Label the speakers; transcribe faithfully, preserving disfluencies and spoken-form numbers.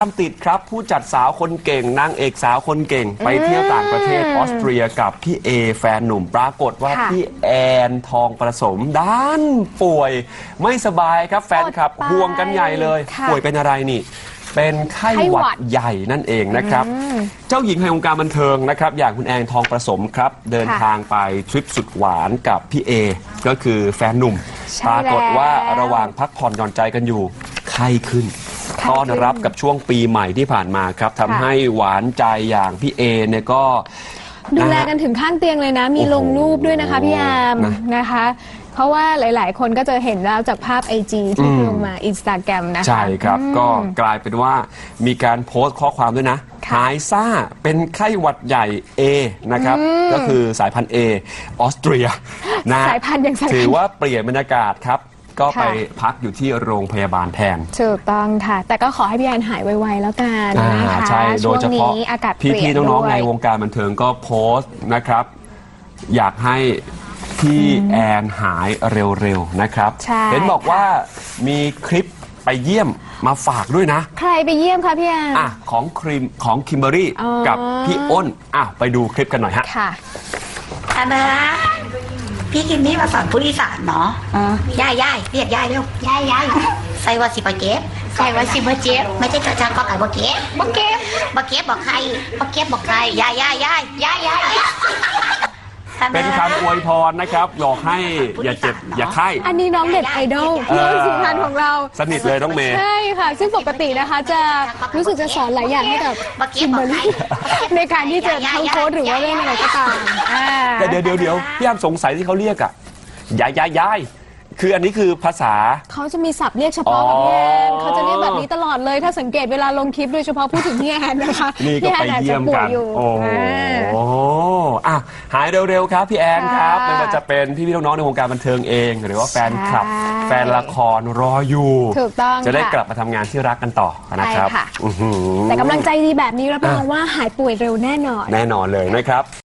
Speaker 1: ตามติดครับผู้จัดสาวคนเก่งนางเอกสาวคนเก่งไปเที่ยวต่างประเทศออสเตรียกับพี่เอแฟนหนุ่มปรากฏว่าพี่แอนทองประสมด้านป่วยไม่สบายครับแฟนคลับห่วงกันใหญ่เลยป่วยเป็นอะไรนี่เป็นไข้หวัดใหญ่นั่นเองนะครับเจ้าหญิงแห่งวงการบันเทิงนะครับอย่างคุณแอนทองประสมครับเดินทางไปทริปสุดหวานกับพี่เอก็คือแฟนหนุ่มปรากฏว่าระหว่างพักผ่อนหย่อนใจกันอยู่ไข้ขึ้นต้อนรับกับช่วงปีใหม่ที่ผ่านมาครับทำให้หวานใจอย่างพี่เอเนี่ยก็
Speaker 2: ดูแลกันถึงข้างเตียงเลยนะมีลงรูปด้วยนะคะพี่แอมนะคะเพราะว่าหลายๆคนก็จะเห็นแล้วจากภาพ ไอ จี ที่ลงมาอินสตาแกรมนะคะ
Speaker 1: ใช่ครับก็กลายเป็นว่ามีการโพสต์ข้อความด้วยนะหายซ่าเป็นไข้หวัดใหญ่ A นะครับก็คือสายพันธุ์ A ออสเตรียนะ
Speaker 2: สายพันธุ์ยัง
Speaker 1: ถือว่าเปลี่ยนบรรยากาศครับก็ไปพักอยู่ที่โรงพยาบาลแทน
Speaker 2: ถูกต้องค่ะแต่ก็ขอให้พี่แอนหายไวๆแล้วกันนะคะ
Speaker 1: ใช่โดยเฉพาะ
Speaker 2: อากาศเปลี่ยน
Speaker 1: พี่ๆน้องๆในวงการบันเทิงก็โพสต์นะครับอยากให้พี่แอนหายเร็วๆนะครับเห็นบอกว่ามีคลิปไปเยี่ยมมาฝากด้วยนะ
Speaker 2: ใครไปเยี่ยมคะพี่แอน
Speaker 1: อ่ะของครีมของคิมเบอรี่กับพี่อ้นอ่ะไปดูคลิปกันหน่อยฮะ
Speaker 2: ค่ะ
Speaker 3: อันนะพี่คิมนี่มาสอนผู้อีสานเนาะย่ายย่ายเรียกย่ายเร็วย่ายย่ายใส่ว่าสิบเจ็บใส่ว่าสิบเจ็บไม่ใช่กระชังก็ไก่บะเก็บบะเก็บบะเก็บบอกใครบะเก็บบอกใครย่ายย่ายย่ายย่ายย่าย
Speaker 1: เป็นคำอวยพรนะครับหลอกให้อย่าเจ็บอย่าไข้
Speaker 2: อันนี้น้องเด็ดไอดอลน้องสุพรรณของเรา
Speaker 1: สนิทเลยน้องเมย์
Speaker 2: ใช่ค่ะซึ่งปกตินะคะจะรู้สึกจะสอนหลายอย่างให้กับคิมเบอร์รี่ในการที่จะทั้งโค้ดหรือว่าเรื่องอะไรก็ตาม
Speaker 1: แต่เดี๋ยวเดี๋ยวเดี๋ยวพี่อ้ำสงสัยที่เขาเรียกอ่ะย้ายย้ายย้ายคืออันนี้คือภาษา
Speaker 2: เขาจะมีศัพท์เรียกเฉพาะกับพี่แอนเขาจะเรียกแบบนี้ตลอดเลยถ้าสังเกตเวลาลงคลิปโดยเฉพาะพูดถึงพี่แอนนะคะ
Speaker 1: นี่ก็ไปเยี่ยมกันโอ้โหอ่ะหายเร็วๆครับพี่แอนครับไม่ว่าจะเป็นพี่ๆน้องๆในวงการบันเทิงเองหรือว่าแฟนคลับแฟนละครรออยู่
Speaker 2: ถูกต้อง
Speaker 1: จะได้กลับมาทำงานที่รักกันต่อนะครับ
Speaker 2: แต่กำลังใจดีแบบนี้รับรองว่าหายป่วยเร็วแน่นอน
Speaker 1: แน่นอนเลยนะครับ